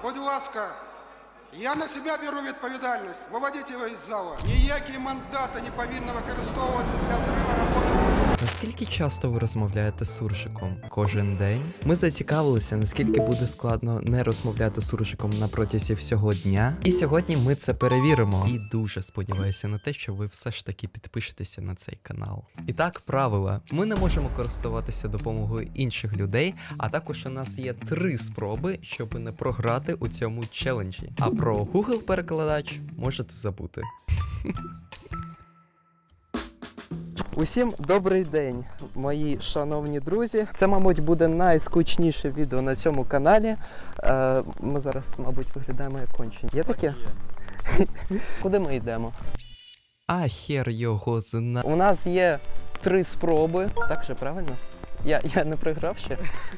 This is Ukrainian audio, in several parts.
будь ласка, я на себе беру відповідальність. Виводіть його із зала. Ніякі мандати не повинні використовуватися для зриву роботи уряду. Наскільки часто ви розмовляєте з суржиком? Кожен день? Ми зацікавилися, наскільки буде складно не розмовляти з суржиком на протязі всього дня. І сьогодні ми це перевіримо. І дуже сподіваюся на те, що ви все ж таки підпишетеся на цей канал. І так, правила. Ми не можемо користуватися допомогою інших людей, а також у нас є 3 спроби, щоб не програти у цьому челенджі. А про Google перекладач можете забути. Усім добрий день, мої шановні друзі. Це, мабуть, буде найскучніше відео на цьому каналі. Ми зараз, мабуть, виглядаємо як кончені. Є таке? Куди ми йдемо? А хер його зна. У нас є 3 спроби. Так же, правильно? Я не програв ще?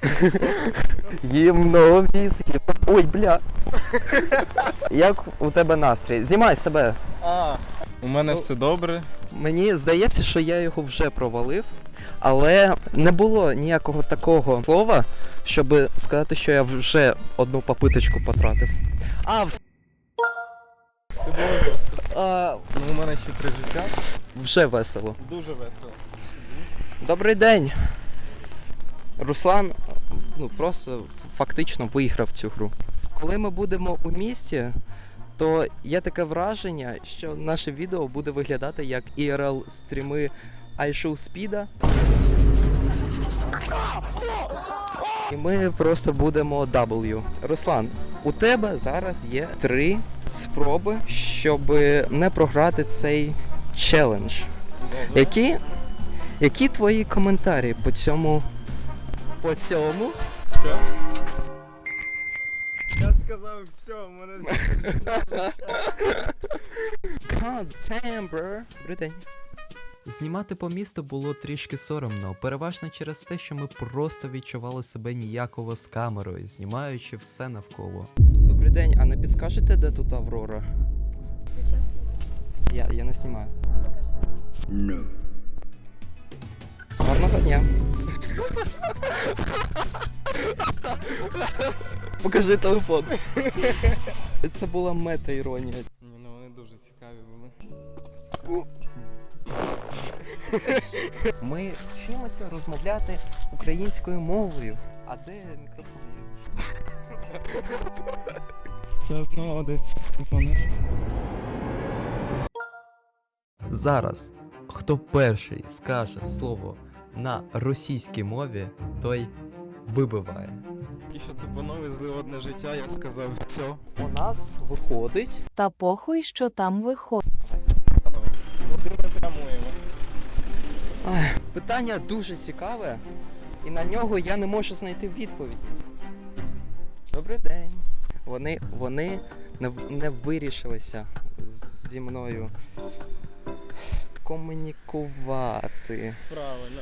Ой, бля. Як у тебе настрій? Знімай себе. У мене все добре. Мені здається, що я його вже провалив, але не було ніякого такого слова, щоб сказати, що я вже одну попиточку потратив. Це було жорстко. У мене ще 3 життя. Вже весело. Дуже весело. Добрий день. Руслан, просто фактично виграв цю гру. Коли ми будемо у місті, то є таке враження, що наше відео буде виглядати як IRL-стріми iShowSpeed. І ми просто будемо W. Руслан, у тебе зараз є 3 спроби, щоб не програти цей челендж. Які твої коментарі по цьому? Все? Я сказав все, у мене... God damn, bro. Добрий день. Знімати по місту було трішки соромно, переважно через те, що ми просто відчували себе ніяково з камерою, знімаючи все навколо. Добрий день, а не підскажете, де тут Аврора? Я не знімаю. No. Гарного дня. Покажи телефон. Це була мета-іронія. Ні, вони дуже цікаві були. Ми вчимося розмовляти українською мовою. А де мікрофон є? Зараз знову десь мікрофон. Зараз, хто перший скаже слово на російській мові, той вибиває. І що тупоновий злив одне життя, я сказав все. У нас виходить. Та похуй, що там виходить. Куди ми прямуємо? Питання дуже цікаве, і на нього я не можу знайти відповіді. Добрий день. Вони не вирішилися зі мною комунікувати. Правильно.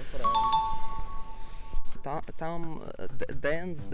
Там денс.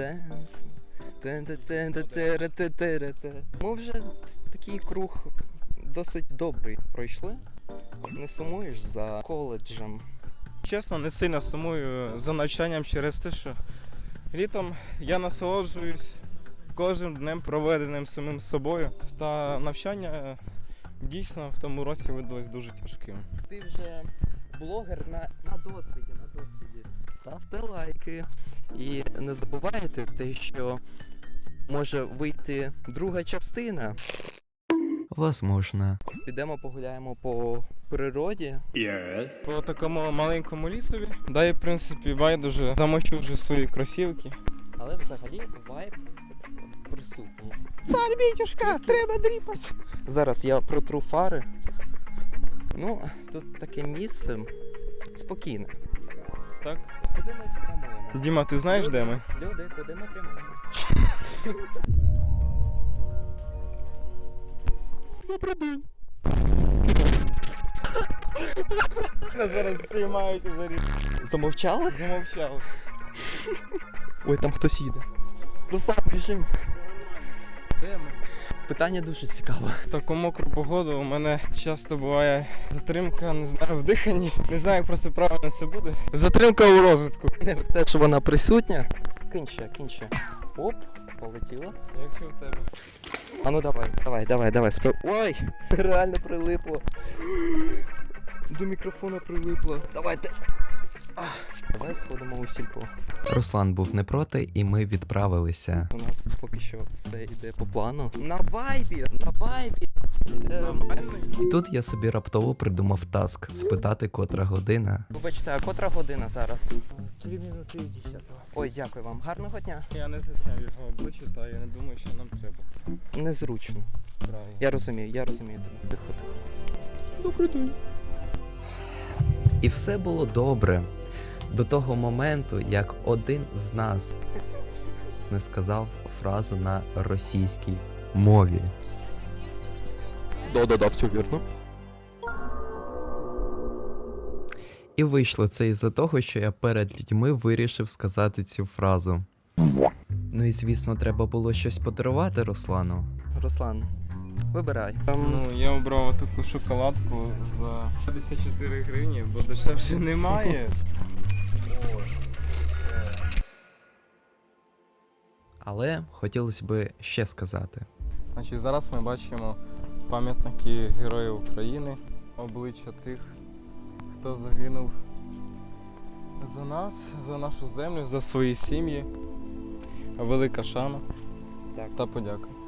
Ми вже такий круг досить добрий пройшли. Не сумуєш за коледжем? Чесно, не сильно сумую за навчанням через те, що літом я насолоджуюсь кожним днем, проведеним самим собою. Та навчання дійсно в тому році видалось дуже тяжким. Ти вже блогер на досвіді. Ставте лайки. І не забувайте те, що може вийти друга частина. Возможно. Підемо погуляємо по природі. По такому маленькому лісові. Да і в принципі байдуже замочу вже свої кросівки. Але взагалі вайб присутній. Цар Вітюшка, треба дріпати. Зараз я протру фари. Тут таке місце спокійне. Так. Куди ми прямуємо? Діма, ти знаєш, де ми? Люди, куди ми прямуємо? Добрий день. Нас зараз спіймають і заріжуть. Замовчали? Замовчав. Ой, там хтось їде. Руслан, біжим. Де ми? Питання дуже цікаве. В таку мокру погоду у мене часто буває затримка, не знаю, в диханні. Не знаю, як просто правильно це буде. Затримка у розвитку. Те, що вона присутня. Кинь ще. Оп. полетіло. Якщо в тебе. А ну давай. Ой! Реально прилипло. До мікрофона прилипло. Давайте. Давай сходимо у сільпо. Руслан був не проти, і ми відправилися. У нас поки що все йде по плану. На вайбі! І тут я собі раптово придумав таск спитати, котра година. Вибачте, а котра година зараз? 3 минуты и 10. Ой, дякую вам. Гарного дня. Я не зняв його обличчя, та я не думаю, що нам треба це. Незручно. Правильно. Я розумію тебе. Тихо. Добрий день. І все було добре. До того моменту, як один з нас не сказав фразу на російській мові. Да, все вірно. І вийшло це із-за того, що я перед людьми вирішив сказати цю фразу. Ну і звісно, треба було щось подарувати Руслану. Руслан, вибирай. Ну, я обрав таку шоколадку за 54 гривні, бо дешевше немає. Але хотілося б ще сказати. Значить, зараз ми бачимо пам'ятники Героїв України, обличчя тих, хто загинув за нас, за нашу землю, за свої сім'ї. Велика шана Так. та подяка.